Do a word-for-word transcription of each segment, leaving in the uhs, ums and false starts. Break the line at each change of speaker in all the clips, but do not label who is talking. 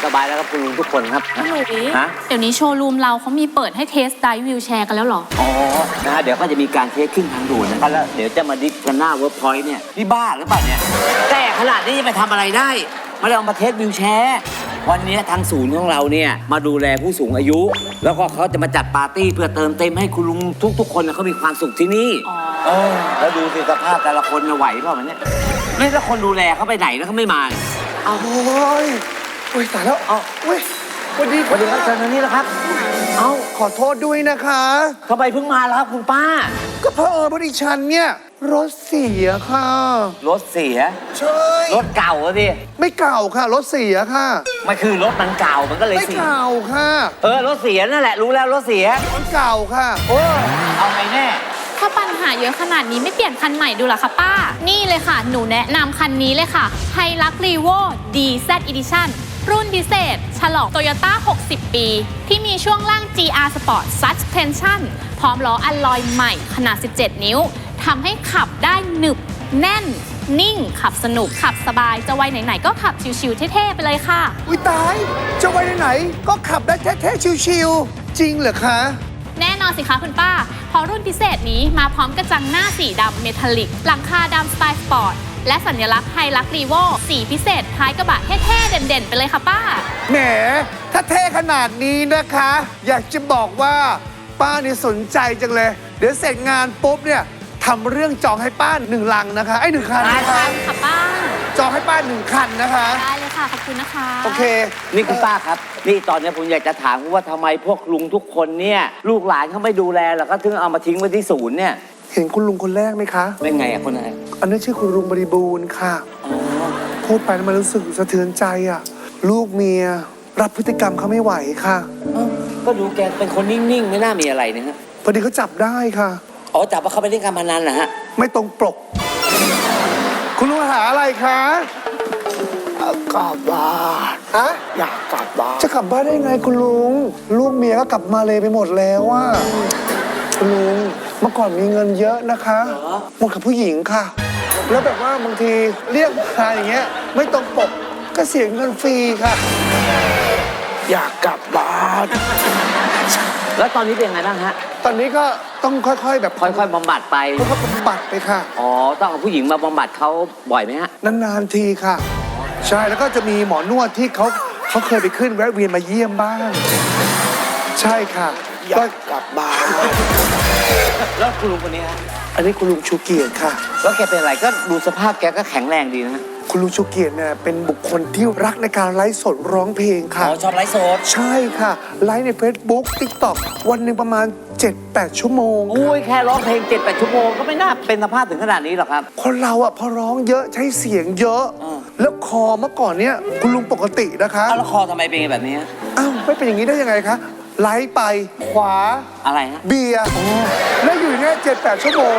สบายแล้วครับคุณลุงทุกคนครับ
พี่หลุย
ฮะ
เดี๋ยวนี้โชว์รูมเราเขามีเปิดให้เทสไดฟ์วิวแชร์กันแล้วเหรอ
อ๋อนะฮะเดี๋ยวก็จะมีการเทสขึ้นทางด่วนนะครับแล้วเดี๋ยวจะมาดิฟกันหน้าเวิร์กพอยต์เนี่ยนี่บ้าหรือเปล่าเนี่ยแต่ขนาดนี้จะไปทำอะไรได้ไม่ได้เอามาเทสวิวแชร์วันนี้ทางศูนย์ของเราเนี่ยมาดูแลผู้สูงอายุแล้วก็เขาจะมาจัดปาร์ตี้เพื่อเติมเต็มให้คุณลุงทุกๆคนเขามีความสุขที่นี่เออแล้วดูสิสภาพแต่ละคนไหวเปล่าเนี่ยไม่แล้วคนดูแลเขาไปไหนแล้วเขาไม่มา
โอ้ยโอ้ยตายแล้วเอาเว้ยสวัสดี
สวัสดีครับเชิญทางนี้แล้วครับ
เอ้าขอโทษด้วยนะคะ
ทำไมเพิ่งมาแล้วครับคุณป้า
ก็เพราะเออพอดีฉันเนี่ยรถเสียค่ะ
รถเสีย
ใช่
รถเก่าอะดิ
ไม่เก่าค่ะรถเสียค่ะ
มันคือรถมันเก่ามันก็เลย
เสียไม่เก่าค่ะ
เออรถเสียนั่นแหละรู้แล้วรถเสีย
รถเก่าค่ะ
โอ้เอาไงแน่
ถ้าปัญหาเยอะขนาดนี้ไม่เปลี่ยนคันใหม่ดูหรอคะป้านี่เลยค่ะหนูแนะนำคันนี้เลยค่ะไฮลักรีโว ดี แซด Edition รุ่นพิเศษฉลอง Toyota หกสิบ ปีที่มีช่วงล่าง จี อาร์ Sport Suspension พร้อมล้ออัลลอยใหม่ขนาดสิบเจ็ดนิ้วทำให้ขับได้หนึบแน่นนิ่งขับสนุกขับสบายจะไว้ไหนๆก็ขับชิวๆเท่ๆไปเลยค่ะ
อุ้ยตายจะไว้ไหนๆก็ขับได้เท่ๆชิวๆจริงเหรอคะ
แน่นอนสิคะคุณป้าเพราะรุ่นพิเศษนี้มาพร้อมกระจังหน้าสีดำเมทัลลิกหลังคาดำสไตล์สปอร์ตและสัญลักษณ์ไฮลักรีโวสีพิเศษท้ายกระบะเท่ๆเด่นๆไปเลยค่ะป้า
แหมถ้าเท่ขนาดนี้นะคะอยากจะบอกว่าป้านี่สนใจจังเลยเดี๋ยวเสร็จงานปุ๊บเนี่ยทำเรื่องจองให้ป้าหนึ่งลังนะคะไอ้หนึ่งคันนะคะ
ค่ะป้า
จองให้ป้าหนึ่งคันนะคะ
ได้เลยค่ะขอบคุณนะคะ
โอเค
นี่คุณป้าครับนี่ตอนนี้ผมอยากจะถามว่าทำไมพวกลุงทุกคนเนี่ยลูกหลานเขาไม่ดูแลหรอก็ถึงเอามาทิ้งไว้ที่ศูนย์เนี่ย
เห็นคุณลุงคนแรกไหมคะ
เป็นไงอะคนไหน
อันนี้ชื่อคุณลุงบริบูรณ์ค่ะอ๋อพูดไปมันรู้สึกสะเทือนใจอะลูกเมียรับพฤติกรรมเขาไม่ไหวค่ะ
ก็ดูแกเป็นคนนิ่งๆไม่น่ามีอะไรนะฮะ
พอดีเขาจับได้ค่ะ
อ๋อจับว่าเขาไปเล่นการพนันเหรอฮะ
ไม่ตรงปกคุณลุงหาอะไรคะ
กลับบ้าน
ฮะ
อยากกลับบ้าน
จะกลับบ้านได้ไงคุณลุงลูกเมียก็กลับมาเลยไปหมดแล้วว่าคุณลุงเมื่อก่อนมีเงินเยอะนะคะหมดกับผู้หญิงค่ะแล้วแบบว่าบางทีเรียกมาอย่างเงี้ยไม่ตรงปกก็เสียเงินฟรีค่ะ
อยากกลับบ้าน
แล้วตอนนี้เป็นไงบ้างฮะ
ตอนนี้ก็ต้องค่อยๆแบบ
ค่อยๆบำบัดไป
ค่อยๆบำบัดไปค่ะ
อ๋อต้องเอาผู้หญิงมาบำบัดเขาบ่อยไหมฮะ
นานๆทีค่ะใช่แล้วก็จะมีหมอนวดที่เขาเขาเคยไปขึ้นแวะเวียนมาเยี่ยมบ้างใช่ค่ะ
อยากกลับบ้าน
แล้วคุณลุงคนนี้ฮะ
อันนี้คุณลุงชูเกียรติค่ะ
แล้วแกเป็นอะไรก็ดูสภาพแกก็แข็งแรงดีนะ
คุณลุงชูเกียรติเนี่ยเป็นบุคคลที่รักในการไลฟ์สดร้องเพลงค่ะ
อ๋อชอบไลฟ์สด
ใช่ค่ะไลฟ์ใน Facebook TikTok วันหนึ่งประมาณ เจ็ดแปด ชั่วโมง
อุ้ยแค่ร้องเพลง เจ็ดแปด ชั่วโมงก็ไม่น่าเป็นสภาพถึงขนาดนี้หรอกครับ
คนเราอ่ะพอร้องเยอะใช้เสียงเยอะแล้วคอเมื่อก่อนเนี่ยคุณลุงปกตินะคะ
แล้วคอทำไมเป็นแบบนี้
อ้าวไม่เป็นอย่างนี้ได้ยังไงคะไลฟ์ไปขวา
อะไรฮะ
เบียร์แล้วอยู่เนี่ยเจ็ดแปด ชั่วโมง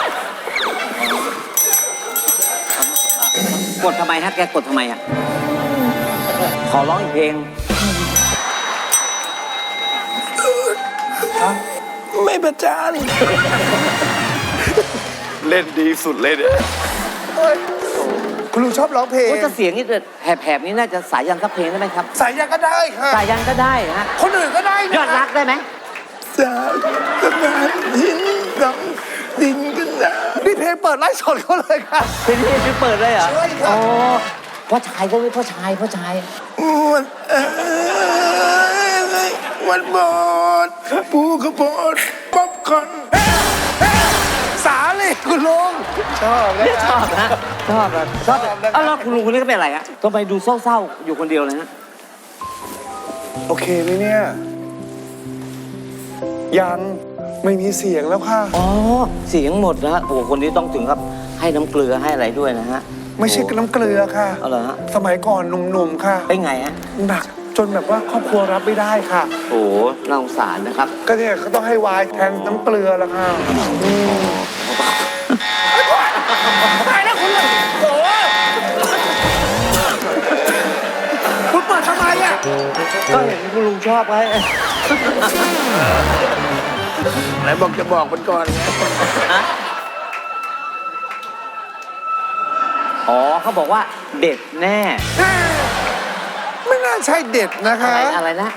กดทำไมฮะแกกดทำไมอ่ะขอร้องอีกเพลง
ไม่ประจานเล่นดีสุดเลยเนี่ย
คุณลุงชอบร้องเพลง
จะเสียงนี่แผบๆนี้น่าจะสายยันสักเพลงได้ไหมครับ
สายยันก็ได้ค่ะ
สายยันก็ได้ฮะ
คนอื่นก็ได้นะ
ยอดรักได้ไหม
จากสะพานหินดำดินกันนะ
นี่เพลงเปิดไลฟ์สดเขาเลยค่ะ
เพลงนี้เปิดเลยเหรอ
ใช่ค่ะ
อ๋อพ่อชายก็ไม่พ่อชายพ่อชาย
วันเอ้ยวันบอดปูกระโปดป๊อปคอร์น
สาเลยคุณลุง
ชอบเลยชอบนะชอบนะชอบเอ้าแล้วคุณลุงคนนี้ก็เป็นอะไรฮะทำไมดูเศร้าๆอยู่คนเดียวเลยฮะ
โอเคไหมเนี่ยยังไม่มีเสียงแล้วค่ะ
อ๋อเสียงหมดนะฮะโอ้คนนี้ต้องถึงครับให้น้ำเกลือให้อะไรด้วยนะฮะ
ไม่ใช่น้ำเกลือค่ะ
เอาเหรอฮะ
สมัยก่อนหนุ่มๆค่ะ
เป็นไงฮะ
หนักจนแบบว่าครอบครัวรับไม่ได้ค่ะ
โอ้น่าสงสารนะครับ
ก็เนี่ยเขาต้องให้วายแทนน้ำเกลือละค่ะตายแล้วคุณลุงโอ้คุณเปิดทำไมอ่ะ
ก็เห็นคุณลุงชอบไว้
ไหนบอกจะบอกมันก่อน
อ๋อเขาบอกว่าเด็ดแน่
ไม่น่าใช่เด็ดนะคะ
อะไรอะไรนะ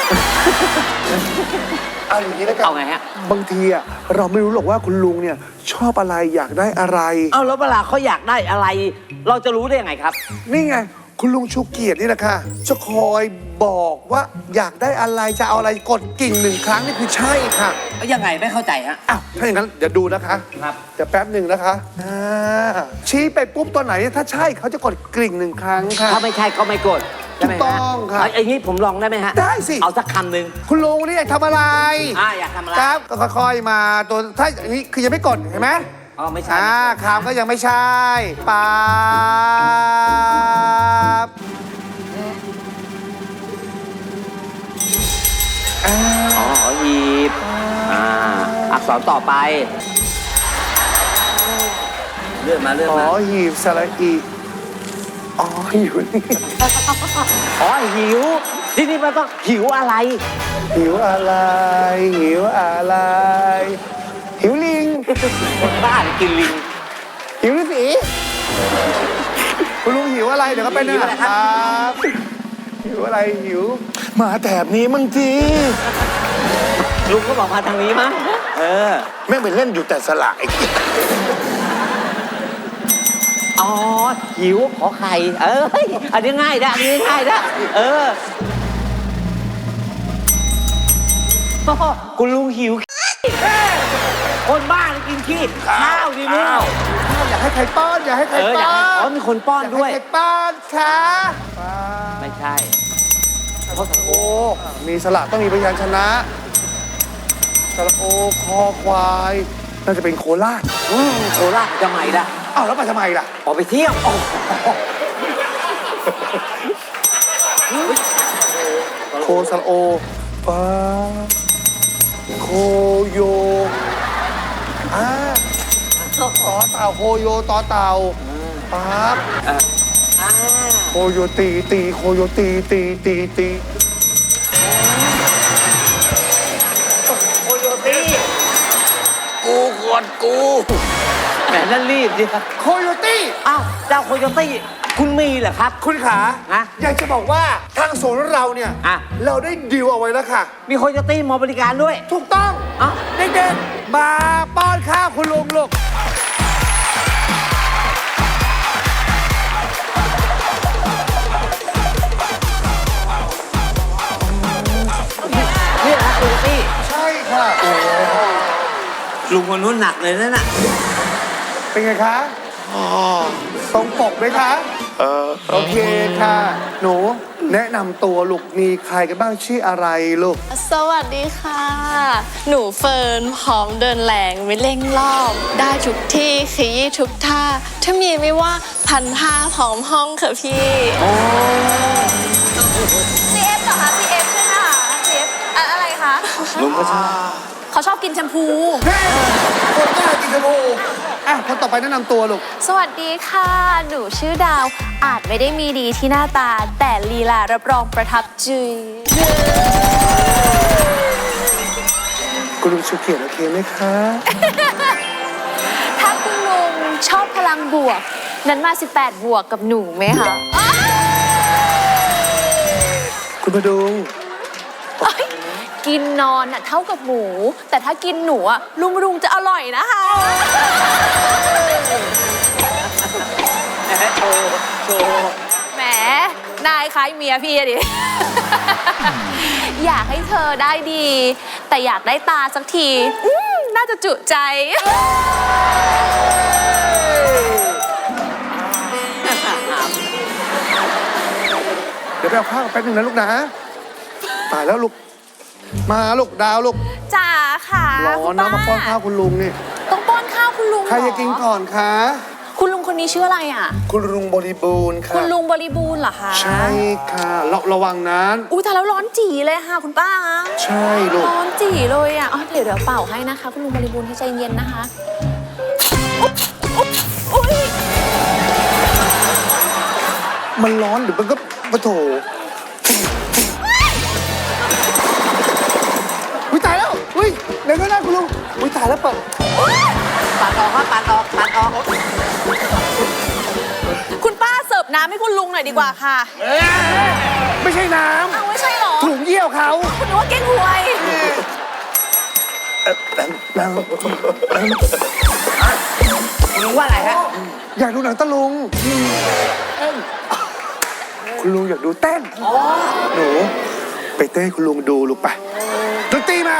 เอาอย่างนี้แล้วกัน
เอาไงฮะ
บางทีอะเราไม่รู้หรอกว่าคุณลุงเนี่ยชอบอะไรอยากได้อะไร
เอาแล้วเวลาเขาอยากได้อะไร เราจะรู้ได้ยังไงครับ
นี่ไง คุณลุงชูเกียรตินี่แหละค่ะจะคอยบอกว่าอยากได้อะไรจะเอาอะไรกดกิ่งหนึ่งครั้งนี่คือใช่ค่ะ
ยังไงไม่เข้าใจฮะ
อ้าวถ้าอย่างนั้นเดี๋ยวดูนะคะ
ครับ
เดี๋ยวแป๊บหนึ่งนะคะอ่าชี้ไปปุ๊บตัวไหนถ้าใช่เขาจะกดกริ่งหนึ่งครั้งค่ะ
ถ้าไม่ใช่ก็ไม่กดใช่ไหมฮะ
ถูกต้องครับ
เอาอย่างนี้ผมลองได้ไหมฮะ
ได้สิ
เอาสักคำหนึ่ง
คุณลุงนี่อยากทำอะไร
อ่าอยากทำอะไร
ครับก็ค่อยๆมาตัวถ้าอย่างนี้คือยังไม่กดเห็นไหม
อ๋อไม่ใช่
อ่าคำก็ยังไม่ใช่ป๊าบอ่า
อ๋อหอหีบอ่าอักษรต่อไป เลื่อนมาเลื่อน
อ๋อ
มา
หีบสระอีอ๋ออยู่นี่
อ๋อหิว ที่นี่มันต้องหิวอะไร
หิวอะไร หิวอะไร หิวลิง
คนบ้าหรือกินลิง
หิวฤาษีคุณลุงหิวอะไร เดี๋ยวก็ไป
หิวอะไรครับ
บหิวอะไรหิวมาแถบนี้มั่งที
ลุงก็บอกมาทางนี้มั้งเออ
แม่งไปเล่นอยู่แต่สละไอ้เหี้ย
อ๋อ หิวขอไข่ เออเฮ้ยอันนี้ง่ายนะอันนี้ง่ายนะเออโอ้โหคุณลุงหิว คนบ้ากินขี้ข้าวดิมึง
อยากให้ใครป้อนอยากให้ใคร
เอออยาก
ป้อ
ให้อ๋อน มีคนป้อนด้วย
อยากให้ใครป้อนค่ะป้อน
ไม่ใช่
โอ้มีสระต้องมีพยัญชนะสระโอคอควายน่าจะเป็นโคราช
อืมโคราชจะใหม่ละ
อ้าวแล้วไปทำไมล่ะ
ออกไปเที่ยวอ๋อ
โคสระโอป้าโคโยอ่าต่อเต่าโคโยต่อเต่าปั๊บ
อ่า
โคโยตีตีโคโยตีตีตีตี
โคโยตี้
กูกดกู
แหมนั่นรีบดิครับ
โคโยตี้
อ้าวเจ้าโคโยตี้คุณมีเหรอครับ
คุณขา
ฮะ
อยากจะบอกว่าทางศูนย์เราเนี่ย
อ่ะ
เราได้ดีลเอาไว้แล้วค่ะ
มีโคโยตี้มาบริการด้วย
ถูกต้อง
เอ้า
เด็กๆมาป้อนข้าวคุณลุงลูก
เนี่ยนะโคโยตี้
ใช่ค่ะ
ลุงคนนู้นหนักเลยนั่นน่ะ
เป็นไงคะตรงปกไหมคะ
เออ
โอเคค่ะ หนูแนะนำตัวลูกมีใครกันบ้างชื่ออะไรลูก
สวัสดีค่ะ หนูเฟิร์นพร้อมเดินแหลงไม่เร่งรอบ ได้ทุกที่ขยี้ทุกท่า ถ้ามีไม่ว่าพันท่าพร้อมห้องค่ะพี่
ซีเอฟเหรอคะซีเอฟใช่ไหมคะซีเอฟอะไรคะ
ลุงก็ชอบ
เขาชอบกินแชมพู
แม่คนกล้ากินชมพูอ่ะคนต่อไปแนะนำตัวลูก
สวัสดีค่ะ หนูชื่อดาว อาจไม่ได้มีดีที่หน้าตา แต่ลีลารับรองประทับใจ
คุณลุงชูเกียรติโอเคไหมคะ
ถ้าคุณลุงชอบพลังบวก นั้นมา สิบแปด บวกกับหนูไหมคะ
คุณพดุง
เอ้ยกินนอนน่ะเท่ากับหมู แต่ถ้ากินหนูอะลุงรุงจะอร่อยนะคะ
โชว์โชว์
แหม นายคล้ายเมียพี่อะดิ อยากให้เธอได้ดี แต่อยากได้ตาสักทีอืมน่าจะจุใจ
เดี๋ยวไปเอาข้าวแป๊บนึงนะลูกนะตายแล้วลูก มาลูกดาวลูก
จ๋าค่ะ
รอ
คุณ
นะมาป้อนข้าวคุณลุงนี่
ต้องป้อนข้าวคุณลุง
ใครจะกิน
เหอ
ก่อนคะ
คุณลุงคนนี้ชื่ออะไรอ่ะ
คุณลุงบริบูรณ์ค่ะ
คุณลุงบริบูรณ์เหรอคะ
ใช่ค่ะระระวังนั้น
อุ้ยแต่แล้วร้อนจีเลยค่ะคุณป้า
ใช่ลูก
ร้อนจีเลยอ่ะอ๋อเดี๋ยวเดี๋ยวเป่าให้นะคะ คุณลุงบริบูรณ์ให้ใจเย็นนะคะอุ๊บอุ๊บอุ๊ย
มันร้อนหรือมันก็ปะโถอุ้ยตายแล้วอุ้ยเดี๋ยวก็ได้คุณลุงอุ้ยตายแล้วเปิด
ปัดออกครับปัดออกปัดออก
คุณป้าเสิร์ฟน้ำให้คุณลุงหน่อยดีกว่าค่ะ
ไม่ใช่น้
อ้าวไม่ใช่เหรอ
ำถุงเยี่ยวเขา
คุณนึกว่าเก้งหวย
คุณลุงว่าอะไรฮะ
อยากดูหนังตะลุง คุณลุงอยากดูเต้นหนูไปเต้นให้คุณลุงดูลูกไปดนตรีมา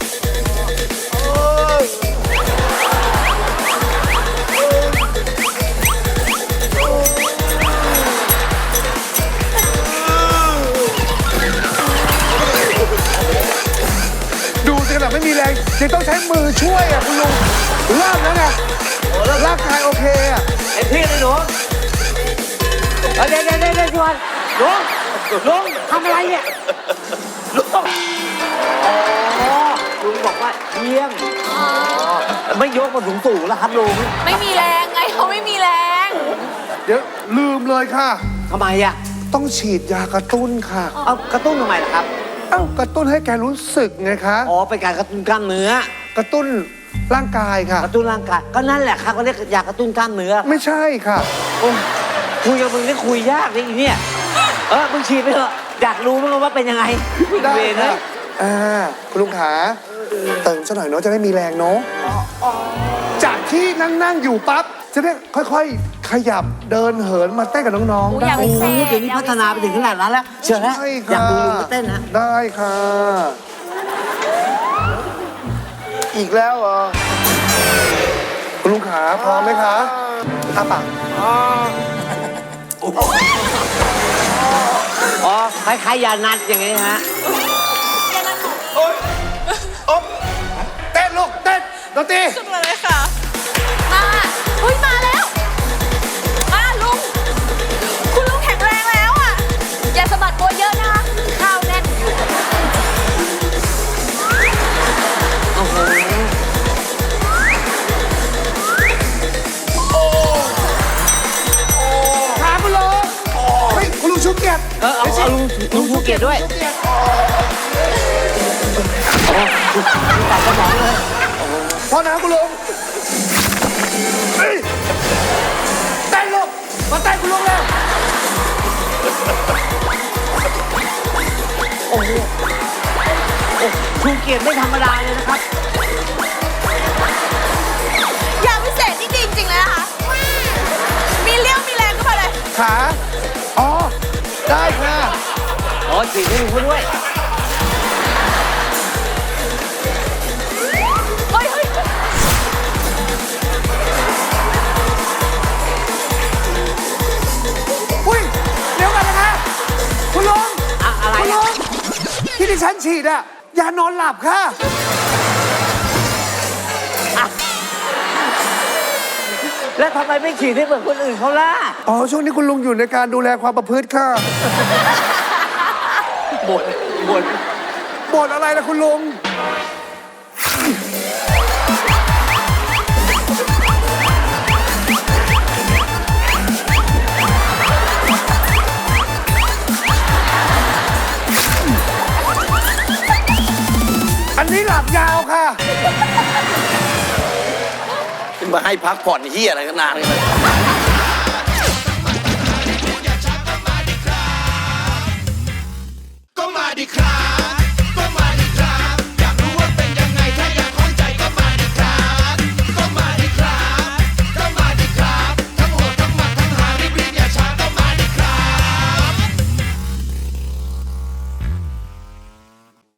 ดูสิขนาดไม่มีแรงยังต้องใช้มือช่วยอ่ะคุณลุงเริ่มแล้วไงร่างกายโอเคอ่ะ
ไอ้พี่เลยหนูเอาเดี๋ยวเดี๋ยวเดี๋ยวเดี๋ยวชวนลุงลุงทำอะไรเนี่ยลุงอ๋อลุงบอกว่าเยี่ยมอ๋อไม่ยกมาสูงสูงแล้วครับลุง
ไม่มีแรงไงเขาไม่มีแรง
เดี๋ยวลืมเลยค่ะ
ทำไมอ่ะ
ต้องฉีดยากระตุ้นค่ะ
เอากระตุ้นทำไมล่ะครับ
เอ้ากระตุ้นให้แกรู้สึกไงคะ
อ๋อเป็นการกระตุ้นกล้ามเนื้อ
กระตุ้นร่างกายค่ะ
กระตุ้นร่างกายก็นั่นแหละครับเขาเรียกยากระตุ้นกล้ามเนื้อ
ไม่ใช่ค่ะ
โอ้ยคุยกับมึงนี่คุยยากเลยอีเนี่ยเออมึงฉีดไปเถอะอยากรู้มั้งว่าเป็นยังไง
ได้
เวรนะ
ค่ะอ่าคุณลุงขาเติมซะหน่อยเนาะจะได้มีแรงเนาะจากที่นั่งนั่งๆอยู่ปั๊บจะได้ค่อยๆ ขยับเดินเหินมาเต้นกับน้องๆ
โอ้ย
ได้
อยาก
โอ้
ไป
โหเดี๋ยวนี้พัฒนาไปถึงขนาดนั้นแล้วเชื่อแล้ว
ใช่
อยา
ค่ะ
กดูลุงมาเต้นนะ
ได้ค่ะ อีกแล้วเหรอคุณลุงขาพร้อมไหมคะอ้าปาก
อ๋อคล้ายๆยานัดอย่างงี้ฮะ
เต้นลูกเต้นดนตรี
ขึ้นมาเลยค่ะ มาเฮ้ยมาแล้ว มาลุง คุณลุงแข็งแรงแล้วอ่ะ อย่าสะบัดตัวเยอะนะคะข้าวแน่นอยู่
โอ้โห
ขาคุณลุงเฮ้ยคุณลุงชุกเกียรติ
เออเอาเอาลุงลุงภูเก็ตด้วย
ชุกเกียรติ
ตัดสมองเลย
พอนะคุณลุงเฮ้ยเต้นลูกมาเต้นคุณลุงแล้ว
โอ้โหโอ้ภูเก็ตไม่ธรรมดาเลยนะครับ
ยาพิเศษนี่ดีจริงๆเลยนะคะ มีเลี้ยวมีแรงขึ้นมาเลย
ขาอ๋อได้ค่ะ
อ๋อฉีดให้ลุงเขาด้วย
เฮ้ยเฮ้ย
อุ้ยเดี๋ยวกันนะคะคุณลุง
อะอะไร
คุณ
อะ
ลุงที่ดิฉันฉีดอะยานอนหลับค่ะ
แล้วทำไมไม่ฉีดให้เหมือนคนอื่นเขาล่ะ
อ๋อช่วงนี้คุณลุงอยู่ในการดูแลความประพฤติค่ะ
บ่นบ่น
บ่นอะไรล่ะคุณลุง อันนี้หลับยาวค่ะ
มาให้พักผ่อนเฮียอะไรกันนานเลย